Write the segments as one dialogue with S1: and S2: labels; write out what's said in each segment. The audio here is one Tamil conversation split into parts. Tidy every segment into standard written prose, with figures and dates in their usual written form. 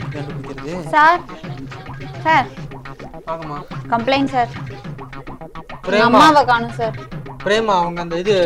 S1: கண்டுபிடிக்கிறது?
S2: சார் சார்
S1: வாங்கம்மா.
S2: Complaint sir.
S1: பிரேமா.
S2: அம்மாவை காணும் சார்.
S1: பிரேமா அவங்க அந்த இது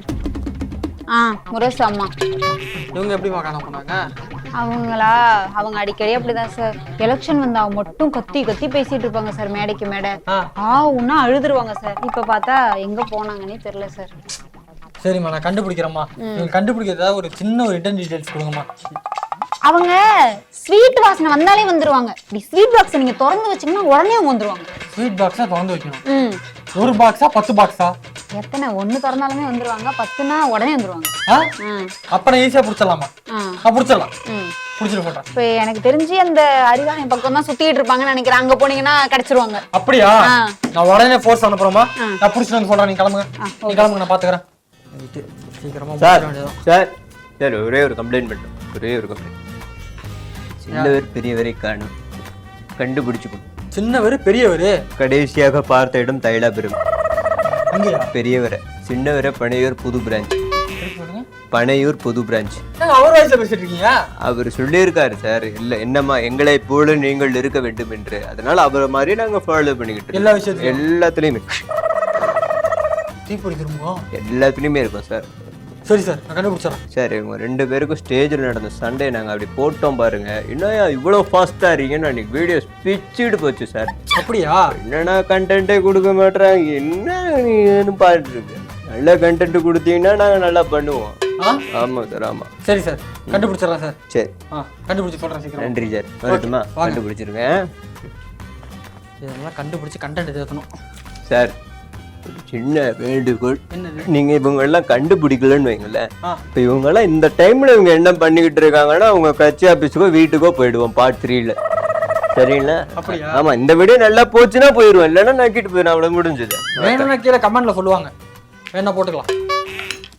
S2: முரசு அம்மா.
S1: இவங்க எப்படிமா காண போனாங்க?
S2: அவங்களா அவங்க அடிக்கடி அப்படிதான் சார். எலெக்ஷன் வந்தா மட்டும் கத்தி கத்தி பேசிட்டு இருப்பாங்க சார், மேடைக்கு மேடை. உன்னா அழுதுருவாங்க சார். இப்ப பார்த்தா எங்க போனாங்கன்னே தெரியல சார்.
S1: சரிம்மா நான் கண்டுபிடிக்கிறேம்மா. நீங்க கண்டுபிடிக்கிறதா ஒரு சின்ன ஒரு ரிட்டன் டீடைல்ஸ் கொடுங்கம்மா.
S2: அவங்க ஸ்வீட் வாசனை வந்தாலே வந்துருவாங்க. இப்படி ஸ்வீட் பாக்ஸ் நீங்க திறந்து வச்சீங்கன்னா உடனே அவங்க வந்துருவாங்க.
S1: ஸ்வீட் பாக்ஸா திறந்து வைக்கணும். ஒரு பாக்ஸா 10 பாக்ஸா?
S2: எத்தனை ஒண்ணு திறந்தாலுமே வந்துருவாங்க, 10னா உடனே வந்துருவாங்க.
S1: அப்ப ஈஸியா புடிச்சலாமா? புடிச்சலாம். புடிச்சிட்டு போட்டா.
S2: இப்ப எனக்கு தெரிஞ்சு அந்த அறிவாலயம் பக்கம் தான் சுத்திட்டு இருப்பாங்கன்னு நினைக்கிறேன். அங்க போனீங்கன்னா கிடைச்சிருவாங்க.
S1: அப்படியா? நான் உடனே ஃபோர்ஸ் அனுப்புறேமா? நான் புடிச்சிட்டு வந்து சொல்றேன். நீ கிளம்புங்க. நீ கிளம்புங்க, நான் பாத்துக்கிறேன். சீக்கிரமா
S3: சார் சார் சார் ஒரே ஒரு கம்ப்ளைண்ட் பண்ணுறோம். ஒரே ஒரு கம்ப்ளைண்ட். சின்னவர் பெரியவரை காணும், கண்டுபிடிச்சு கொடு.
S1: சின்னவர் பெரியவர்
S3: கடைசியாக பார்த்த இடம் தைலாபுரம். பெரியவரை சின்னவரை பனையூர் புது பிரான்ச். பனையூர் புது பிரான்ச்.
S1: அவர் வயசுல பேசிட்டு இருக்கீங்க?
S3: அவர் சொல்லியிருக்காரு சார், இல்ல என்னம்மா எங்களை போல நீங்கள் இருக்க வேண்டும் என்று. அதனால அவரை மாதிரி நாங்க ஃபாலோ பண்ணிக்கிட்டு
S1: எல்லா விஷயத்தையும்
S3: எல்லாத்துலயுமே
S1: எல்லாத்துலயுமே
S3: இருக்கும் சார்.
S1: சரி சார் நான் கண்டுபிடிச்சறேன்.
S3: சார் இவங்க 2 பேருக்கும் ஸ்டேஜில் நடந்த சண்டே நாங்கள் அப்படி போட்டோம் பாருங்க. என்னையா இவ்வளோ ஃபாஸ்ட்டாக இருக்கீங்கன்னு அன்றைக்கி வீடியோ பிச்சுட்டு போச்சு சார்.
S1: அப்படியா?
S3: என்னன்னா கண்டென்ட்டே கொடுக்க மாட்டேறாங்க. என்ன நீன்னு பார்த்துட்டு இருக்கு. நல்ல கண்டென்ட் கொடுத்தீங்கன்னா நாங்கள் நல்லா பண்ணுவோம். ஆமாம் சார் ஆமாம்.
S1: சரி சார் கண்டுபிடிச்சிடலாம் சார்.
S3: சரி
S1: கண்டுபிடிச்சி சொல்கிறேன் சீக்கிரம்.
S3: நன்றி சார். வரட்டுமா? கண்டுபிடிச்சிருக்கேன்.
S1: இதெல்லாம் கண்டுபிடிச்சி கண்டென்ட் தேக்கணும்
S3: சார். சின்ன வேண்டுகோள், நீங்க இவங்க எல்லாம் கண்டுபிடிக்கலன்னு வைங்களேன். இப்ப இவங்க எல்லாம் இந்த டைம்ல இவங்க என்ன பண்ணிக்கிட்டு இருக்காங்கன்னா அவங்க கட்சி ஆபீஸுக்கோ வீட்டுக்கோ போயிடுவோம் பார்ட் 3ல. சரிங்களா? ஆமா இந்த வீடியோ நல்லா போச்சுன்னா போயிடுவோம், இல்லைன்னா நக்கிட்டு போயிடும். அவ்வளவு முடிஞ்சது.
S1: வேணும்னா கீழே கமெண்ட்ல சொல்லுவாங்க, வேணா போட்டுக்கலாம்.